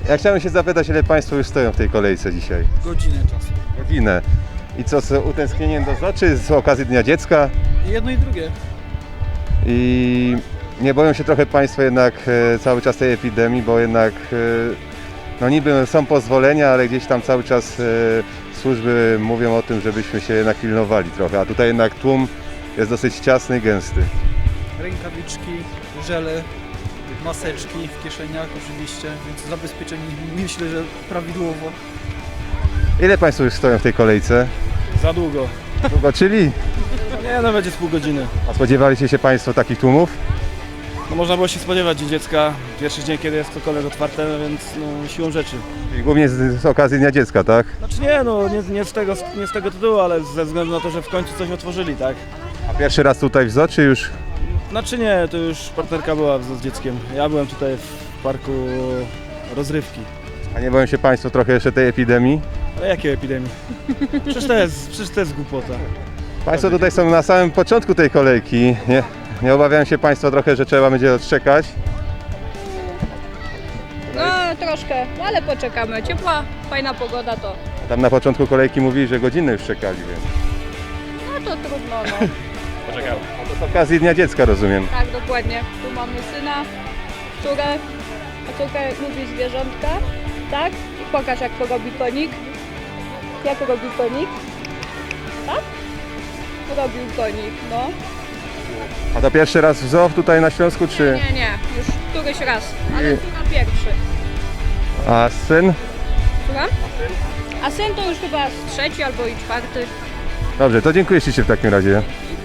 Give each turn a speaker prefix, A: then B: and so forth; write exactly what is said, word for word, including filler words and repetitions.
A: Ja chciałem się zapytać, ile Państwo już stoją w tej kolejce dzisiaj?
B: Godzinę czasu.
A: Godzinę. I co, z utęsknieniem do zoo, czy z okazji Dnia Dziecka?
B: Jedno i drugie.
A: I nie boją się trochę Państwo jednak e, cały czas tej epidemii, bo jednak e, no niby są pozwolenia, ale gdzieś tam cały czas e, służby mówią o tym, żebyśmy się jednak pilnowali trochę, a tutaj jednak tłum jest dosyć ciasny i gęsty.
B: Rękawiczki, żele, maseczki w kieszeniach oczywiście, więc zabezpieczeni myślę, że prawidłowo.
A: Ile Państwo już stoją w tej kolejce?
C: Za długo.
A: Długo, czyli?
C: Nie, no będzie z pół godziny.
A: A spodziewaliście się Państwo takich tłumów?
C: No można było się spodziewać Dzień Dziecka, pierwszy dzień, kiedy jest cokolwiek otwarte, no więc no, siłą rzeczy.
A: I głównie z, z okazji Dnia Dziecka, tak?
C: Znaczy nie, no nie, nie, z tego, nie z tego tytułu, ale ze względu na to, że w końcu coś otworzyli, tak?
A: A pierwszy raz tutaj w zoo, czy już?
C: Znaczy nie, to już partnerka była z, z dzieckiem. Ja byłem tutaj w parku rozrywki.
A: A nie boją się Państwo trochę jeszcze tej epidemii?
C: Ale jakiej epidemii? Przecież to jest, przecież to jest głupota.
A: Państwo tutaj są na samym początku tej kolejki. Nie, nie obawiają się Państwo trochę, że trzeba będzie odczekać?
D: No troszkę, no ale poczekamy. Ciepła, fajna pogoda to.
A: Tam na początku kolejki mówili, że godzinę już czekali, więc...
D: No to trudno, no.
C: Poczekałem.
A: To z okazji Dnia Dziecka, rozumiem.
D: Tak, dokładnie. Tu mamy syna, córę, a córka lubi zwierzątka, tak? I pokaż jak to robi konik. Jak robi konik? Tak? Robił konik, no.
A: A to pierwszy raz w zoo tutaj na Śląsku, czy...
D: Nie, nie, już któryś raz, ale córa pierwszy.
A: A syn?
D: Słucham? A syn to już chyba z trzeci albo i czwarty.
A: Dobrze, to dziękuję Ci w takim razie.